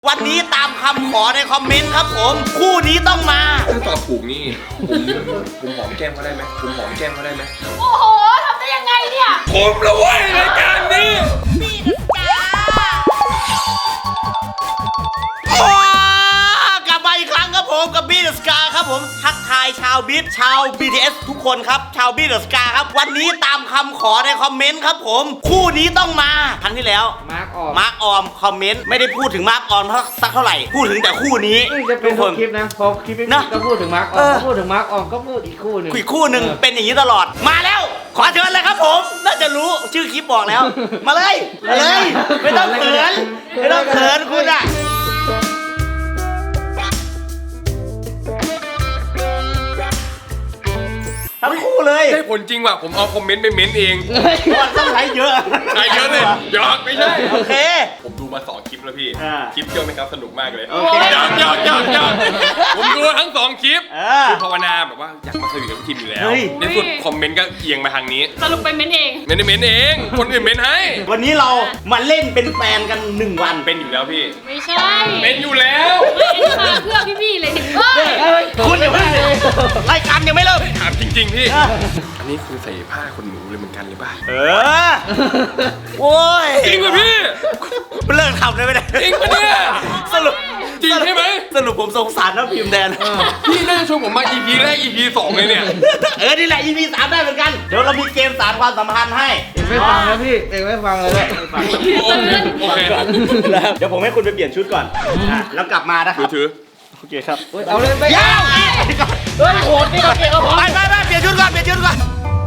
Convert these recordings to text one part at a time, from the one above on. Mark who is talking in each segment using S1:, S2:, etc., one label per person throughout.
S1: วันนี้ตามคำขอในคอมเมนต์ครับผมคู่นี้ต้องมา
S2: ถ้าตอบถูกนี่ผมหอมแก้มเขาได้ไหมผมหอมแก้มเขาได้ไหม
S3: โอ้โหทำได้ยังไงเนี่ย
S2: ผมละเว้ยรายการนี้
S1: กลับมาอีกครั้งครับผมกับบีเดอะสกาครับผมทักทายชาวบีทชาว BTS ทุกคนครับชาวบีเดอะสกาครับวันนี้ตามคำขอในคอมเมนต์ครับผมคู่นี้ต้องมาครั้งที่แล้วมาร์คออมคอมเมนต์ไม่ได้พูดถึงมาร์คออมสักเท่าไหร่พูดถึงแต่คู่นี้
S4: นี่จะเป็นทุกคลิปนะพอคลิปนี้ก็พูดถึงมาร์คออมพูดถึงมาร์คออมก็พูดอีกคู่หนึ่ง
S1: อีกคู่หนึ่งเป็นอย่างนี้ตลอดมาแล้ว ขอเชิญเลยครับผมน่าจะรู้ชื่อคลิปบอกแล้ว มาเลยมาเลยไม่ต้องเขินไม่ต้องเขินคุณอะทั้งคู่เลย
S2: ได้ผลจริงว่ะผมเอาคอมเมนต์ไปเม้นเอง
S1: วันต้องใช้เยอะ
S2: ใช่เยอะเลยหยอกไม่ใช่
S1: โอเค
S2: ผมดูมา2คลิปแล้วพี่
S1: อ่า
S2: คลิปเที่ยวไหมครับสนุกมากเลย
S1: โอเค
S2: หยอกผมดูทั้ง2คลิปคือภาวนาแบบว่าอยากมาสวีทกับพี่ทีมอยู่แล้ว
S1: เฮ้ย
S2: ในสุดคอมเมนต์ก็เอียงมาทางนี้
S3: สรุปไปเม้นเอง
S2: ไม่ได้เม้นเองคนอื่นเม้นให้
S1: วันนี้เรามาเล่นเป็นแฟนกัน1 วัน
S2: เป็นอยู่แล้วพี่
S3: ไม่ใช่
S2: เป็นอยู่แล้ว
S3: ไม่อันนี้มาเพื่อพี่ๆเลยเฮ้ย
S1: คุณอย่าเพิ่งรายการยังไม่เริ่ม
S2: ถามจริงๆพี่อันนี้คือใส่ผ้าคนหนูเลยเหมือนกันหรือเปล่า
S1: โอ้ย
S2: จริงป่ะพี่
S1: เลิกทำได้ไหมเนี่ย
S2: จริงปะเนี่ย
S1: สรุป
S2: จริงใช่ไหม
S1: สรุปผมสงสารน้ำพิมพ์แดน
S2: พี่น่าจะชวนผมมา EP แรก EP 2เลยเนี่ย
S1: นี่แหละ EP 3ได้เหมือนกัน เดี๋ยวเรามีเกมสารความสัมพันธ์ให้
S4: เอกไม่ฟังแล้วพี่เอกไม่ฟังเลยแล้ว
S2: โอเค
S1: เดี๋ยวผมให้คุณไปเปลี่ยนชุดก่อนแล้วกลับมานะครับ
S2: ถือ
S1: โอเคครับ
S4: เอาเลยไป
S1: ยาว
S4: เฮ้ยโหดนี่ก็เก่งก็พอ
S1: ไปเปลี่ยนชุดก่อนเปลี่ยนชุดก่อน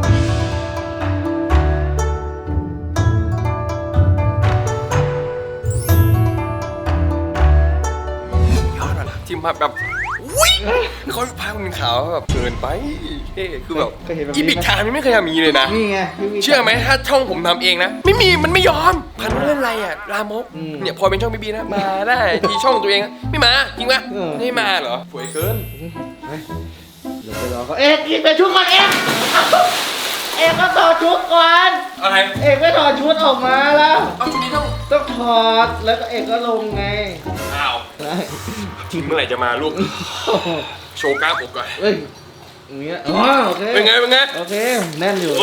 S2: ยอดว่ะทีมภาพแบบอุ้ยเขาพาคนขาวแบบเกินไปเท่คือแบบอีพิกทามยังไม่เคยทำมีเลยนะ
S4: นี่ไง
S2: เชื่อไหมถ้าช่องผมทำเองนะ ไม่มีมันไม่ยอมพันว่าเรื่องอะไรอ่ะลามกเนี่ยพอเป็นช่องบีนะมาได้ทีช่องตัวเองไม่มาจริงปะไม่มาเหรอสวยเกิน
S4: เดี๋ยวไปรอเขาเอกกินไปชุดก่อนเอกก็ถอดชุดก่อน
S2: อะไร
S4: เอกไม่ถอดชุดออกมาแล้ว
S2: เอาชุดนี้ต้อง
S4: ต้องถอดแล้วก็เอกก็ลงไง
S2: อ้าว
S4: ได้
S2: ทีมเมื่อไหร่จะมาลูกโชว์กล้ามอกก่อน
S4: เฮ้ยอย่างเงี้ยอ๋อโอเค
S2: เป็นไง
S4: โอเคแน่นอยู่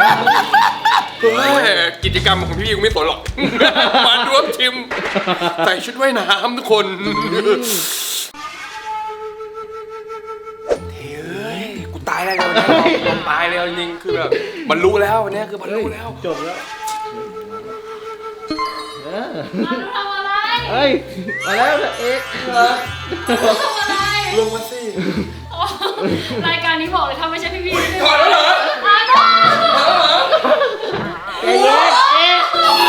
S2: กิจกรรมของพี่กูไม่สนหรอก มาร่วมชิมใส่ชุดว่ายน้ำทุกคนเฮ้ยกูตายแล้ววันนี้ผมตายแล้วจริงๆคือแบบบรรลุแล้ววันนี้คือบรรลุแล้ว
S4: จบแล้วเออ
S3: ทำอะไร
S4: เฮ้ยมาแล้วเอกเหรอ
S3: ทำอะไร
S2: ลงมาสิ
S3: รายการนี้บอกเลยถ้าไม่ใช่พี่ๆ
S2: ถอดแล้วเหรอ
S3: อ่ะ
S4: เอกเอก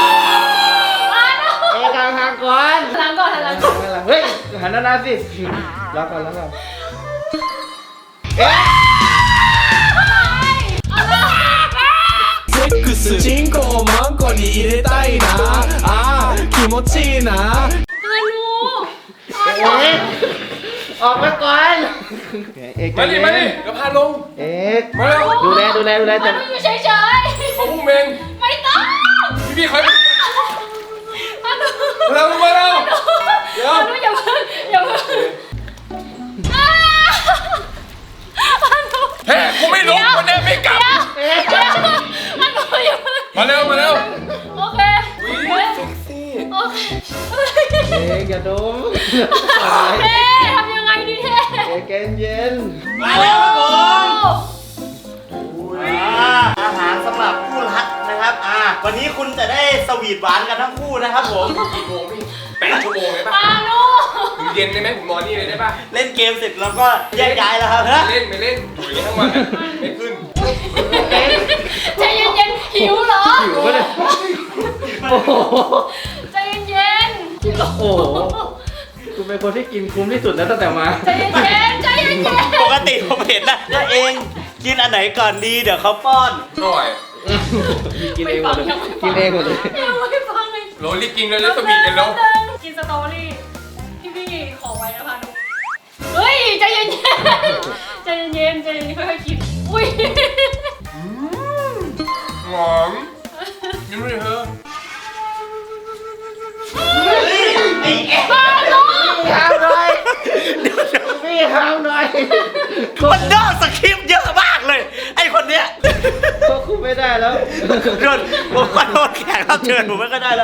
S4: กลางทางก่อน
S3: หลังก่อนหลังก่อน
S4: เฮ้ยหันหน้าสิรับก่อนรับก่อน
S5: セックスチンコをマンコに入れたいなあー気持ちいいな
S3: ฮานู
S4: เอกออกมาก่อนเอก
S2: มาดิเดี๋ยวพาลง
S4: เอก
S2: มาแล้ว
S4: ดูแล
S3: ฮา
S4: แต่
S3: นูอยู่เฉย
S2: เขาพุ่งเอง
S3: ๆไม่ต้อง
S2: พี่คอย
S3: ฮานู
S2: มาแล้วเดี๋ยว
S3: ฮานูอย่าเพิ่งอย่าเพิ่งฮานู
S2: แฮ่กูไม่ลงวันนี้ไม่กลับ
S3: ฮานูอย่าเพิ่ง
S2: มาเร็ว
S3: โอเค
S2: อุ้ยเซ็กซี่
S3: โอเค
S4: เอกอย่าดม
S3: เท่ทำยังไงดีเท่
S4: เอกเย็น
S1: มาแล้วครับผมอาหารสำหรับคู่รักนะครับวันนี้คุณจะได้สวีทหวานกันทั้งคู่นะครับผม
S2: กี่โมงพี่8 ชั่วโมงเลยป่ะ
S3: ฮานู
S2: ถึงเย็นได้ไหมผมนอนนี่เลยได้ป่ะ
S1: เล่นเกมเสร็จแล้วก็แยกย้ายแล้วครับ
S2: ไม่เล่นอยู่อย่างนี้ทั้งวันไม่ขึ้น
S3: ใจเย็นๆหิวเหรอ
S4: หิวปะเนี่ยโอ้โห
S3: ใจเย็น
S4: โอ้โหคุณเป็นคนที่กินคุ้มที่สุดแล้วตั้งแต่มา
S3: ๆใจเย็นๆใจเย็นๆ
S1: ปกติผมเห็นนะก็เองกินอันไหนก่อนดีเดี๋ยวเขาป้อน
S2: หน่อย
S4: กินเองหมดเลยกินเองหมดเลย
S3: ยังไม่ฟังเลย
S2: โรลลี่กินแล้วจะสวีทกันแล้ว
S3: กินสตรอเบอรี่พี่ขอไว้นะพานุเฮ้ยใจเย็นๆใจเย็นๆใจเย็นๆค่อยๆคิดอุ้ย
S2: หอมยิ้มเลยเธอ
S1: ไอ้
S3: พานุ
S4: พี่ห้ามหน่อย
S1: มันนอกสคริปต์เยอะมากเลย ไอคนเนี้ย
S4: ควบคุมไม่ได้แล้ว
S1: โดนผมขอโทษแขกรับเชิญผมไม่ก็ได้แล้ว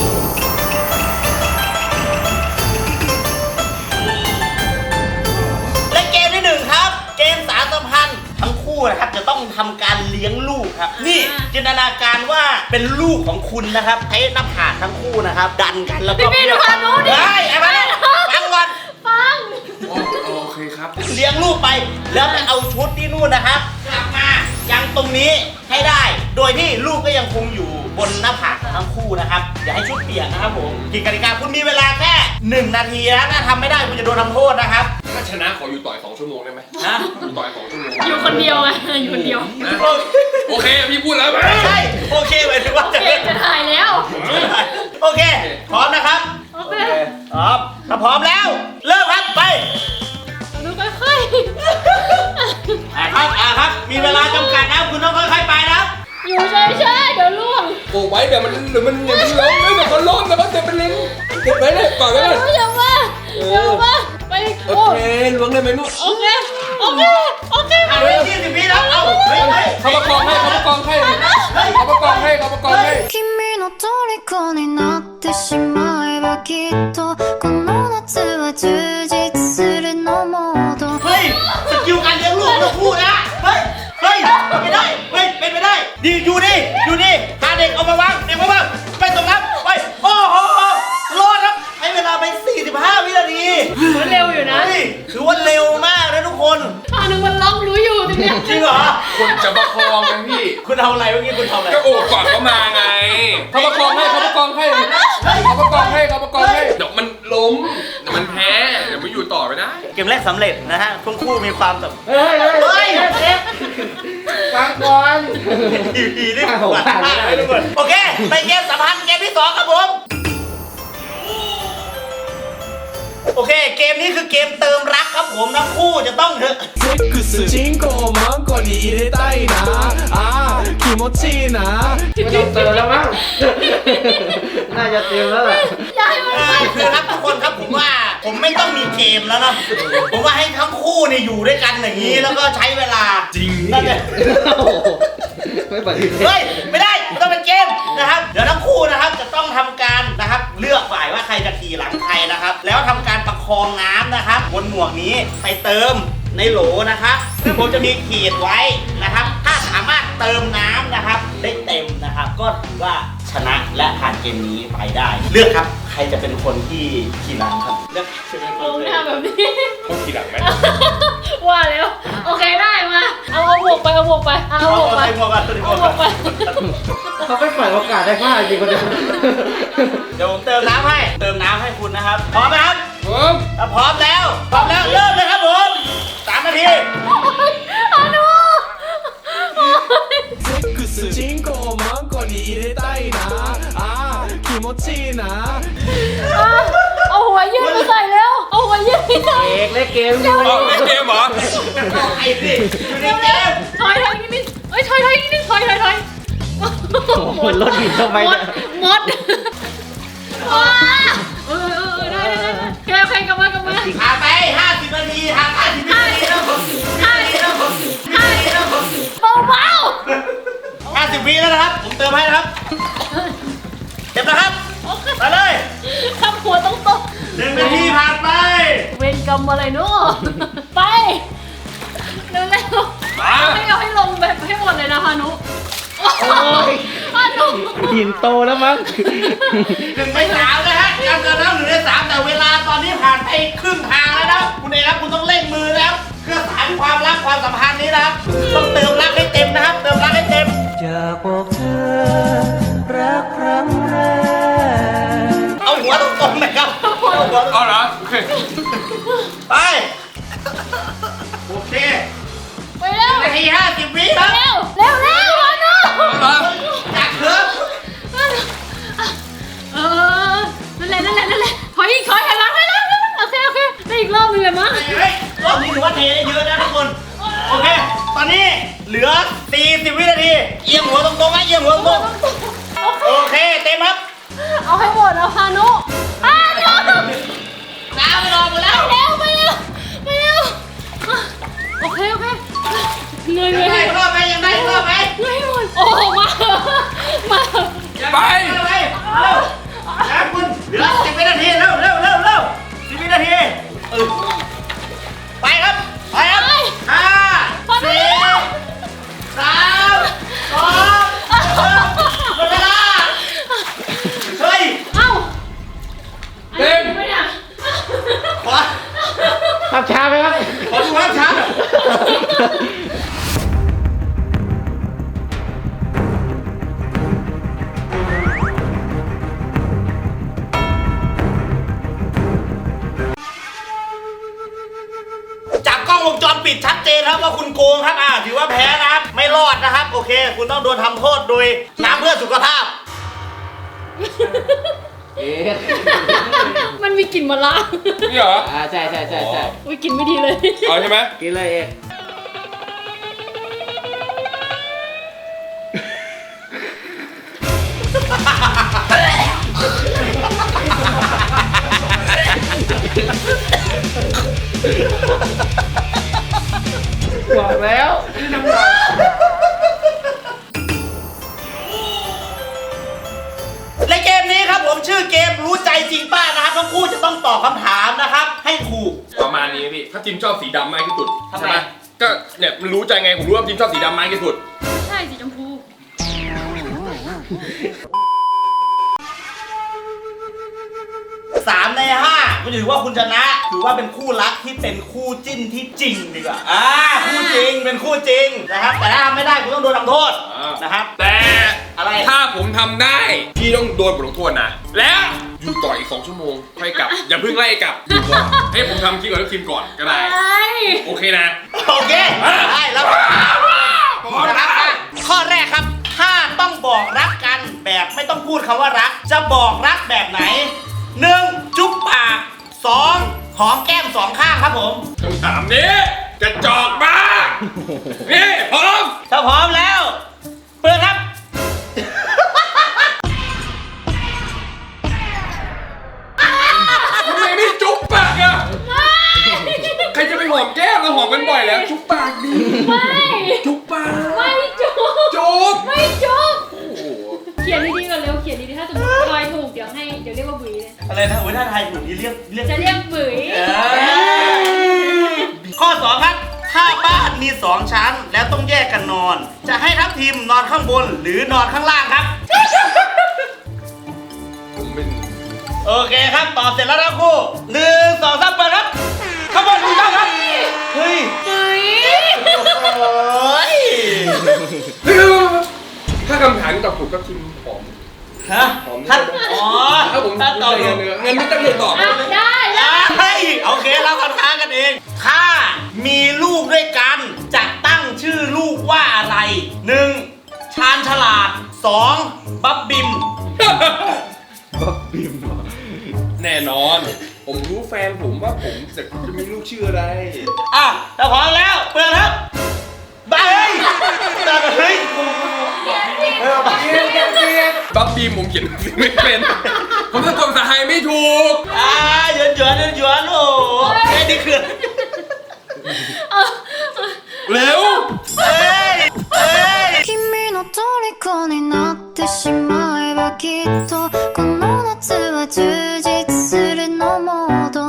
S1: และเกมที่หนึ่งครับ เกมสารสัมพันธ์ทั้งคู่นะครับจะต้องทำการเลี้ยงลูกครับ นี่จินตนาการว่าเป็นลูกของคุณนะครับใช้หน้าผากทั้งคู่นะครับ ดันกันแล้วก็
S3: พี่ดูความรู้ดิ
S1: เฮ้ยไอ้บ้าฟังก่อน
S3: ฟัง
S2: โอเคครับ
S1: เลี้ยงลูกไปแล้วไปเอาชุดที่นู่นนะครับกลับมายังตรงนี้ให้ได้ โดยที่ลูกก็ยังคงอยู่บนหน้าผากของทั้งคู่นะครับอย่าให้ชุดเปียกนะครับผมกิจกติกาคุณมีเวลาแค่1 นาทีนะถ้าทำไม่ได้คุณจะโดนทำโทษนะครับ
S2: ถ้าชนะขออยู่ต่อย2 ชั่วโมงได้ไหม
S1: นะ
S2: อยู่ต่อย2 ชั่วโมง
S3: อยู่คนเดียวไงอยู่คนเดียว
S2: นะโอเคพี่พูดแล้วไหม
S1: ใช่โอเคหมายถึงว่า
S3: โอ
S1: จะ
S3: เคจะถ่ายแล้ว
S1: โอเคพร้อมนะครับ
S3: โอเค
S1: พร้อมถ้าพร้อมแล้วเริ่มครับไป
S3: ดูค่อย
S1: ครับมีเวลาจำกัดนะครับคุณต้องค่อยๆไปนะครับ
S3: ๆอยู่ใช่เดี๋ยวล่วง
S2: โอ้ไว้เดี๋ยวมันล้มเดี๋ยวมันล้มแล้วก็เจ็บเป็นลิ้นเก็บไว้เลยก่อนไว้เลย
S3: อย่ามาไป
S2: โอเคล้วงได้ไหมลูก
S3: โอเค
S1: เอาไว้20 วิแล้วเอาเฮ้ย
S2: เขาประกองให้เขาประกองให้เขาประกองให้เขาประกองให้
S6: 君の虜になってしまえばきっとこの夏は充実するのモード
S1: เฮ้ยสกิลการเลี้ยงลูกทั้งคู่นะเฮ้ยไม่ได้เฮ้ยเป็นไปได้ดีอยู่นี่พาเด็กเอามาวางไปตรงนั้นไปโอ้โหรอดครับใช้เวลาไป45 วินาที
S3: มันเร็วอยู่นะ
S1: เฮ้ยถือว่าเร็วมากนะทุกคน
S3: นึงมันล็อกรู้อยู่ตรงเนี้ย
S1: จริงเหรอ
S2: คนจะประคองกันพี่
S1: คุณทำอะไรเมื่อกี้คุณทำอะไร
S2: ก็โอบก่อนเขามาไงเขาประคองให้เขาประคองให้เขาประคองให้เขาประคองให้เดี๋ยวมันล้มเดี๋ยวมันแพ้เดี๋ยวมันอยู่ต่อไม่ได้
S1: เกมแรกสำเร็จนะฮะทั้งคู่มีความแบบ
S4: เฮ้ยฟังก่อน
S1: ดีๆนี่หวานมากเลยทุกคนโอเคไปเกมสัมพันธ์เกมที่ 2 ครับผม โอเค เกมนี้คือเกมเติมรักครับผมทั้งคู่จะต้อง
S5: セックスチンコをマンコに入れたいなあー気持ちいいな
S4: ไม่ต้องเติมแล้วมั้ง น่าจะเต็มแล้วแหละ
S3: อย่าให้มันไป
S1: คือครับทุกคนครับผมว่าผมไม่ต้องมีเกมแล้วนะผมว่าให้ทั้งคู่เนี่ยอยู่ด้วยกันอย่างนี้แล้วก็ใช้เวลาจริงน่าจะ
S4: โอ้โหไม่ปฏิเสธ
S1: เฮ้ยไม่ได้ต้องเป็นเกมนะครับเดี๋ยวทั้งคู่นะครับจะต้องทำการนะครับเลือกฝ่ายว่าใครจะขี่หลังใครนะครับแล้วทำการประคองน้ำนะครับบนหมวกนี้ไปเติมในโหลนะครับซึ่งผมจะมีขีดไว้นะครับถ้าสามารถเติมน้ำนะครับได้เต็มนะครับก็ถือว่าชนะและผ่านเกมนี้ไปได้ เลือกครับใครจะเป็นคนที่ขี่หลังครับเลือกใครจะเป็นค
S3: ล
S1: น
S3: ง
S1: เลย
S3: หน้าแบบนี้
S2: ต้องทีหลังไหม
S3: ว่าแล้วโอเคได้มาเอาหมวกไปเอาหมวกไปเอาหมวกไป
S1: หมวกก่อนตัวนี้หม
S3: เอา
S1: วก
S3: หม
S1: ก่
S3: ว
S1: อก น
S3: ไป
S4: เขาไม่ปล่อยโอกาสได้พลาดจริงคนเดียว
S1: เดี๋ยวผมเติมน้ำให้คุณนะครับพร้อมไหมครับ
S2: ผม
S1: ถ้าพร้อมแล้วเริ่มเลยครับผม3 นาที
S3: เอาหนู
S5: セックスチンコをマンコに入れたいなあー気持ちいいな
S3: เอาหัวยืดมาใส่แล้วเอาหัวยืดไปใส่
S4: เอกเล่นเกมอยู่
S2: เอาเล่นเกมเหรอ
S1: ไอ้สิอยู่ในเกม
S3: ถอยนิดนึงเอ้ยถอยนิดนึงถอย
S4: หมดรถหินทำไมเนี่ย
S3: มดว้าได้แค่ใครกลับมา
S1: ผ่านไป50 นาทีผ่าน50 นาทีแล้วผม
S3: เบา
S1: 50 วิแล้วนะครับผมเติมให้นะครับเต็มแล้วครับ
S3: ๆโอเค
S1: ไปเลย
S3: ทำหัวตรง
S1: 1 นาทีผ่านไป
S3: ๆเวรกรรมอะไรเนาะไปเร็ว
S2: มา
S3: ๆไม่เอาให้ลงแบบให้หมดเลยนะพานุ พานุ
S4: หินโตแล้วมั้ง
S1: 1 ใน 3นะฮะยังเกินแล้ว1 ใน 3แต่เวลาตอนนี้ผ่านไปครึ่งทางแล้วนะคุณเอกครับคุณต้องเร่งมือนะครับเพื่อสานความรักความสัมพันธ์นี้นะครับต้องเติมรักให้เต็มนะครับเติมรักให้เต็ม
S4: อยากบอกเธอรักครั้งแรก
S1: เอาหัวตรงๆหนะครับเอาหัวตรง
S2: เอาเหรอโอเค
S1: ๆไปโอเค
S3: ไปเร็ว
S1: 1 นาที 50 วิครับ
S3: เร็วพานุ
S1: จากเคิร์ฟ
S3: นั่นแหละถอยหลังได้แล้วโอเคได้อีกรอบนึงเลยมั้ง
S1: เฮ้ยรอบนี้ถือว่าเทได้เยอะนะทุกคนโอเคตอนนี้เหลือ40 วินาทีเอียงหัวตรงๆนะเอียงหัวตรงๆโอเคเต็มครับ
S3: เอาให้หมดเอาพานุ
S1: น้ำไม่รอหมดแล้ว
S3: ไปเร็ว
S4: ภาพช้าไหมครับ
S1: ขอดูภาพช้าจากกล้องวงจรปิดชัดเจนครับว่าคุณโกงครับถือว่าแพ้นะครับ ไม่รอดนะครับ โอเค คุณต้องโดนทำโทษโดยน้ำเพื่อสุขภาพ
S4: เอ๊ะ
S3: มันมีกลิ่นมะระ
S2: นี่เหรอ
S4: ใช่
S3: อุ้ยกลิ่นไม่ดีเลย
S2: เอาใช่ไหม
S4: กินเลยเอก บอกแล้ว
S1: ในเกมนี้ครับผมชื่อเกมรู้ใจจริงป้านะครับทั้งคู่จะต้องตอบคำถามนะครับ ให้ถูก
S2: ประมาณนี้พี่ถ้าจิมชอบสีดำมากที่สุด
S1: ทำไม
S2: ใช่ไหมก็เนี่ยมันรู้ใจไงผมรู้ว่าจิมชอบสีดำมากที่สุด
S3: ใช่สีชมพู
S1: 3 ใน 5ก็ถือว่าคุณชนะ ถือว่าเป็นคู่รักที่เป็นคู่จิ้นที่จริงดีกว่าคู่จริงเป็นคู่จริงนะครับ แต่ถ้าทำไม่ได้คุณต้องโดนทำโทษนะครับ
S2: แต่
S1: อะไร
S2: ถ้าผมทำได้พี่ต้องโดนบทลงโทษนะแล้วอยู่ต่ออีก2 ชั่วโมงค่อยกลับ อย่าเพิ่งไล่กลับอยู่ก่อนให้ผมทำคลิปกับทุกทีมก่อนก็ได้ โอเคนะ
S1: โอเคได้แล้วนะครับข้อแรกครับ ถ้าต้องบอกรักกันแบบไม่ต้องพูดคำว่ารัก จะบอกรักแบบไหน 1. จุ๊บปาก 2. หอมแก้ม 2 ข้างครับผม
S2: คำถามนี้กระจอกมากนี่พร้อม
S1: ถ้าพร้อมแล้ว เปิดครับ
S2: ทำไมไม่จุ๊บปากอะใครจะไปหอมแก้มเราหอมกันบ่อยแล้ว จุ๊บปากดี
S3: ไม่
S2: จุ๊บปาก
S3: ไม่จุ๊บ
S2: จุ๊บ
S3: ไม่จุ๊บ
S2: โอ้โห
S3: เขียนดีๆก่อนเร็วเขียนดีๆถ้าสมมติทายถูกเดี๋ยวเรียกว่าบุ๋ยเลย
S1: อะไรนะถ้าไทยถูกนี่เรียก
S3: จะเรียกบุ๋ย
S1: ข้อ 2 ครับ ถ้าบ้านมี 2 ชั้นแล้วต้องแยกกันนอน จะให้ทัพทีมนอนข้างบนหรือนอนข้างล่างครับ
S2: ผมเป็น
S1: โอเคครับตอบเสร็จแล้วทั้งคู่1 2 3เปิดครับข้างบนถูกต้องครับ เฮ้ย
S3: บุ๋ย
S1: โอ้ย
S2: ถ้าคำถามนี้ตอบถูกก็ทีมหอม
S1: ฮะถ้าอ๋อ
S2: ถ้าผม
S1: ถ้าตอบถูก
S2: เงินไม่ต้องเรียนตอบ
S3: อ่ะได้แล้ว
S1: เฮ้ยโอเคเราคำถามกันเอง ถ้ามีลูกด้วยกันจะตั้งชื่อลูกว่าอะไร 1. ชาญฉลาด 2. บับบิม
S4: บ๊อบบิม
S2: แน่นอน ผมรู้แฟนผมว่าผมจะมีลูกชื่ออะไร
S1: ถ้าพร้อมแล้วเปิดครับไปเฮ้ยแต่เฮ้ย
S2: บับบี้ผมเขียนไม่เป็น ผมสะกดภาษาไทยไม่ถูก
S1: หยวนโอ้แค่นี้คือ
S2: เร็ว
S1: เฮ้ย
S6: 君の虜になってしまえばきっとこの夏は充実するのモード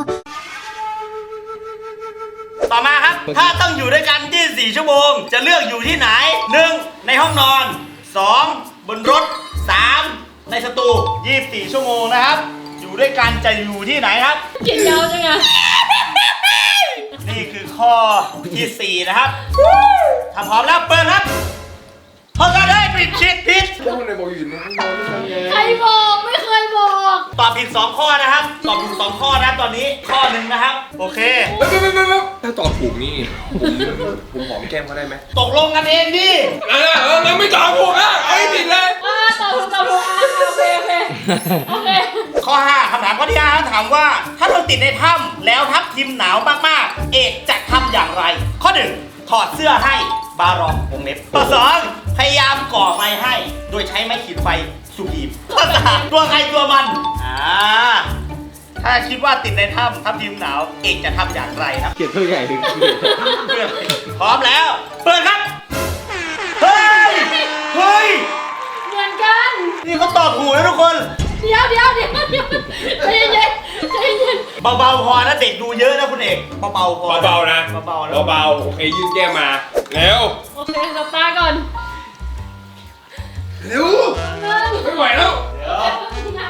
S1: ต่อมาครับ ถ้าต้องอยู่ด้วยกัน24 ชั่วโมง จะเลือกอยู่ที่ไหน 1. ในห้องนอน 2. บนรถ 3. ในสตู24 ชั่วโมงนะครับ อยู่ด้วยกันจะอยู่ที่ไหนครับ
S3: เขียนยาวจังอะ
S1: นี่คือข้อที่ 4 นะครับถ้าพร้อมแล้วเปิดครับพร้อมกันเลยปิดชิดผิด
S2: แล้วคนไหนบอกอยู่ในห้องนอนด้วยกันไง
S3: ใครบอกไม่เคยบอก
S1: ตอบผิด 2 ข้อนะครับ ตอบถูก 2 ข้อนะตอนนี้ข้อหนึ่งนะครับ โอเค
S2: ถ้าตอบถูกนี่ผมหอมแก้มเขาได้ไหม
S1: ตกลงกันเองดิ
S2: แล้วไม่ตอบถูกอ่ะไอ้ผิดเลย
S3: ตอบถูกโอเคโอเค
S1: ข้อ 5คำถามข้อที่ 5 ถามว่า ถ้าเราติดในถ้ำแล้วทัพทีมหนาวมากๆ เอกจะทำอย่างไร ข้อ 1 ถอดเสื้อให้บารองวงเล็บข้อ 2 พยายามก่อไฟให้ โดยใช้ไม้ขีดไฟสูบอีมข้อ 3 ตัวใครตัวมันถ้าคิดว่าติดในถ้ำทัพทีมหนาวเอกจะทำอย่างไรครับ
S4: เขียนตัวใหญ่ถึง
S1: พร้อมแล้ว เปิดครับ เฮ้ย
S3: เหมือนกัน
S1: นี่เขาตอบถูกนะทุกคน
S3: เดี๋ยวใจเย็นใจเย็น
S1: เบาๆพอนะเด็กดูเยอะนะคุณเอกเบาๆพอ
S2: เบาๆนะ
S1: เบาๆนะ
S2: เบาๆโอเคยื่นแก้มมาเร็ว
S3: โอเคหลับตาก่อน
S2: เร็วไม่ไหวแล้ว
S1: เดี๋ยว
S3: น้ำนึง
S1: ตา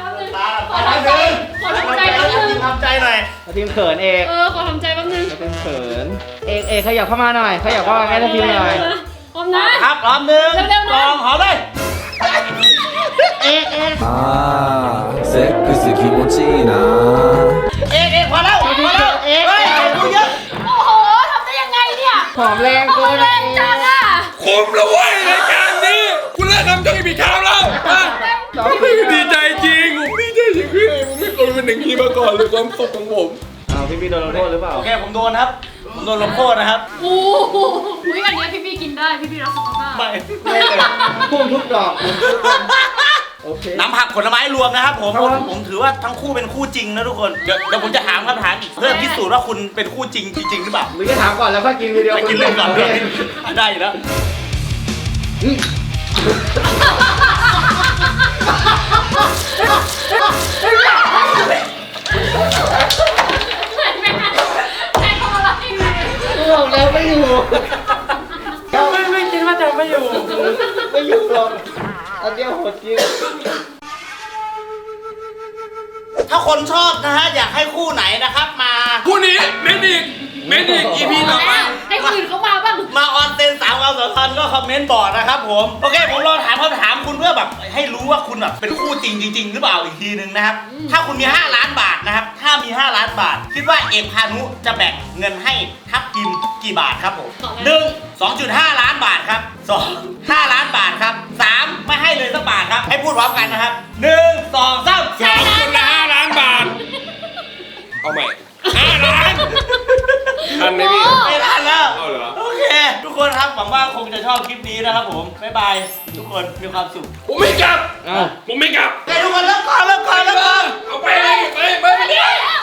S3: ขอทำใจแป๊บนึง
S1: ทำใจหน่อย
S4: ทัพทีมเขินเอก
S3: ขอทำใจแป๊บนึง
S4: ทัพทีมเขินเอกขยับเข้ามาหน่อยขยับเข้ามาใกล้ทัพทีมหน่อย
S3: พร้อมนะครับ
S1: พร้อมหนึ่ง
S3: เร็วๆนะ
S1: สองหอมเลย
S4: เอก
S5: あーセックス気持ちいいな
S1: เอกพอแล้วเฮ้ยดูเยอะ
S3: โอ้โหทำได้ยังไงเนี่ย
S4: หอมแรงเกิน
S3: แรงจังอ่ะ
S2: คุ้มแล้วเว้ยรายการนี้คุณเลิกทำช่องอีพีเช้าแล้วดีใจจริงผมดีใจจริงพี่ผมไม่เคยเป็นอย่างนี้มาก่อนเลยความสุขของผม
S4: เอาพี่โดนลงโทษหรือเปล่า
S1: โอเคผมโดนครับผมโดนลงโทษนะครับ
S3: โอ้โหอุ๊ยอันเนี้ยพี่กินได้พี่รักสุขภาพ
S1: ไม่
S4: ไม่เลยพุ่งทุกดอกโอเค
S1: น้ำผักผลไม้รวมนะครับผม
S4: ครับผม
S1: ผมถือว่าทั้งคู่เป็นคู่จริงนะทุกคนเดี๋ยวผมจะถามคำถามอีกเพื่อพิสูจน์ว่าคุณเป็นคู่จริงจริงหรือเปล่า
S4: หรือจะถามก่อนแล้วค่อยกินวิดีโอ
S1: ไปกินเรื่องก่อนเลยได้อยู่แล้ว
S3: ใช่เขาอะไร
S4: บอกแล้วไม่อยู่
S2: ไม่คิดว่าจะไม่อยู่
S4: ไม่อยู่หรอกอันเดียวโหดจริง
S1: ถ้าคนชอบนะฮะอยากให้คู่ไหนนะครับมา
S2: คู่นี้เมนิกอีพีต่อไป
S3: ให้คนอื่นเขามาบ้าง
S1: มาออนเซน3ความสัมพันธ์ก็คอมเมนต์บอกนะครับผมโอเคผมลองถามคำถามคุณเพื่อแบบให้รู้ว่าคุณแบบเป็นคู่จริงหรือเปล่าอีกทีนึงนะครับถ้าคุณมี5 ล้านบาทนะครับถ้ามี5 ล้านบาท คิดว่าเอกพานุจะแบ่งเงินให้ทัพทิมกี่บาทครับผม 1.5 ล้านบาทครับ2 5 ล้านบาทครับ3ไม่ให้เลยสักบาทครับให้พูดพร้อมกันนะครับ1 2 3
S3: ใช่นะ
S2: คนละ5 ล้านบาท เอาใหม่5 ล้านทันไหมพี่
S1: ไม่ทันแล้ว
S2: เอาเหรอ
S1: โอเค ทุกคนครับหวังว่าคงจะชอบคลิปนี้นะครับผมบ๊ายบายทุกคนมีความสุข
S2: ผมไม่กลับ
S4: อ้าว
S2: ผมไม่กลับ
S1: โอเคทุกคนเลิกก่อน
S2: เอาไปเลยไป